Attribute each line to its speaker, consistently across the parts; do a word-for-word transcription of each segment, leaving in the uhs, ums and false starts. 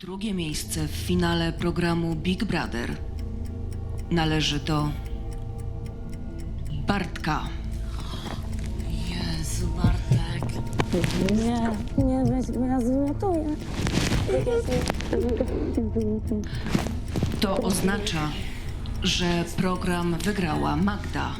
Speaker 1: Drugie miejsce w finale programu Big Brother należy do Bartka.
Speaker 2: Jezu, Bartek.
Speaker 3: Nie, nie, weź, bo ja zwymiotuję.
Speaker 1: To oznacza, że program wygrała Magda.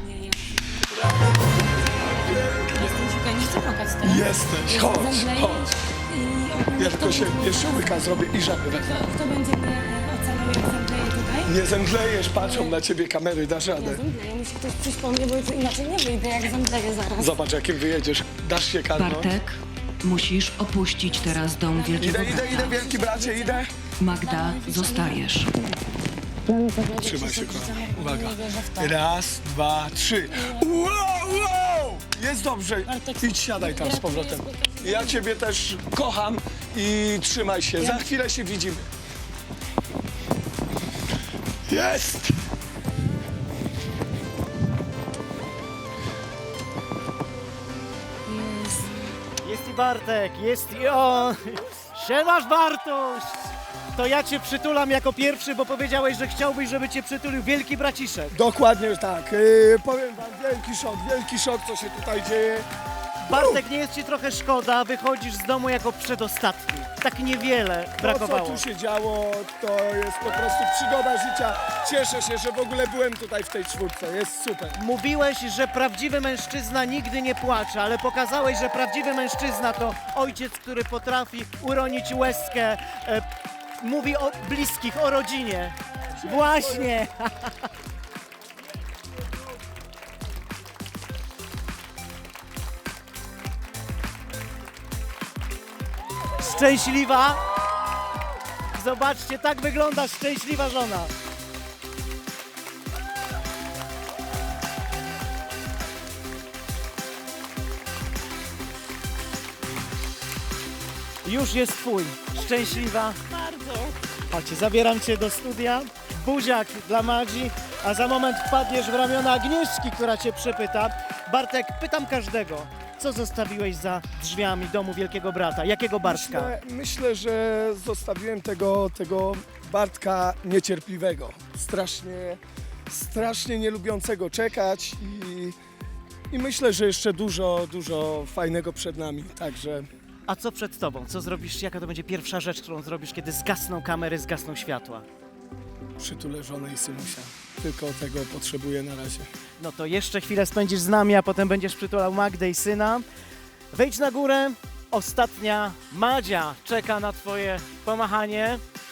Speaker 2: Jestem ciuka, nie chcę płakać teraz.
Speaker 4: Jesteś, chodź,
Speaker 2: Zemdleję
Speaker 4: chodź.
Speaker 2: i
Speaker 4: Ja tylko się jeszcze łyka zrobię i żabę wezmę.
Speaker 2: kto, kto będzie mnie e, oceniał, jak zemdleję tutaj?
Speaker 4: Nie zemdlejesz, patrzą na ciebie kamery, dasz
Speaker 2: Ja
Speaker 4: radę.
Speaker 2: zemdleję, musi ktoś przyjść po mnie, bo inaczej nie wyjdę, jak zemdleję zaraz.
Speaker 4: Zobacz, jakim wyjedziesz. Dasz się karnąć.
Speaker 1: Bartek, musisz opuścić teraz dom Wielkiego
Speaker 4: Idę, idę, idę,
Speaker 1: Brata.
Speaker 4: wielki bracie, idę.
Speaker 1: Magda, zostajesz.
Speaker 4: Trzymaj się, kochana. Uwaga.
Speaker 2: Nie wierzę w to.
Speaker 4: Raz, dwa, trzy. Wow, wow! Jest dobrze.
Speaker 2: Bartek,
Speaker 4: Idź, siadaj tam z powrotem. Ja ciebie też kocham i trzymaj się. Za chwilę się widzimy. Jest!
Speaker 5: Jest i Bartek, jest i on. Siemasz, Bartuś! To ja cię przytulam jako pierwszy, bo powiedziałeś, że chciałbyś, żeby cię przytulił wielki braciszek.
Speaker 4: Dokładnie tak. Yy, powiem wam, wielki szok, wielki szok, co się tutaj dzieje.
Speaker 5: Bartek, nie jest ci trochę szkoda, wychodzisz z domu jako przedostatni. Tak niewiele
Speaker 4: To, co
Speaker 5: brakowało.
Speaker 4: tu się działo, to jest po prostu przygoda życia. Cieszę się, że w ogóle byłem tutaj w tej czwórce. Jest super.
Speaker 5: Mówiłeś, że prawdziwy mężczyzna nigdy nie płacze, ale pokazałeś, że prawdziwy mężczyzna to ojciec, który potrafi uronić łezkę, e, mówi o bliskich, o rodzinie. Właśnie! Szczęśliwa? Zobaczcie, tak wygląda szczęśliwa żona. Już jest twój. Szczęśliwa?
Speaker 2: Bardzo.
Speaker 5: Chodźcie, zabieram cię do studia. Buziak dla Madzi, a za moment wpadniesz w ramiona Agnieszki, która cię przepyta. Bartek, pytam każdego, co zostawiłeś za drzwiami domu Wielkiego Brata? Jakiego Bartka?
Speaker 4: Myślę, myślę, że zostawiłem tego, tego Bartka niecierpliwego. Strasznie, strasznie nie lubiącego czekać i, i myślę, że jeszcze dużo, dużo fajnego przed nami. Także
Speaker 5: A co przed tobą? Co zrobisz? Jaka to będzie pierwsza rzecz, którą zrobisz, kiedy zgasną kamery, zgasną światła?
Speaker 4: przytulę żonę i synusia. Tylko tego potrzebuję na razie.
Speaker 5: No to jeszcze chwilę spędzisz z nami, a potem będziesz przytulał Magdę i syna. Wejdź na górę. Ostatnia Madzia czeka na twoje pomachanie.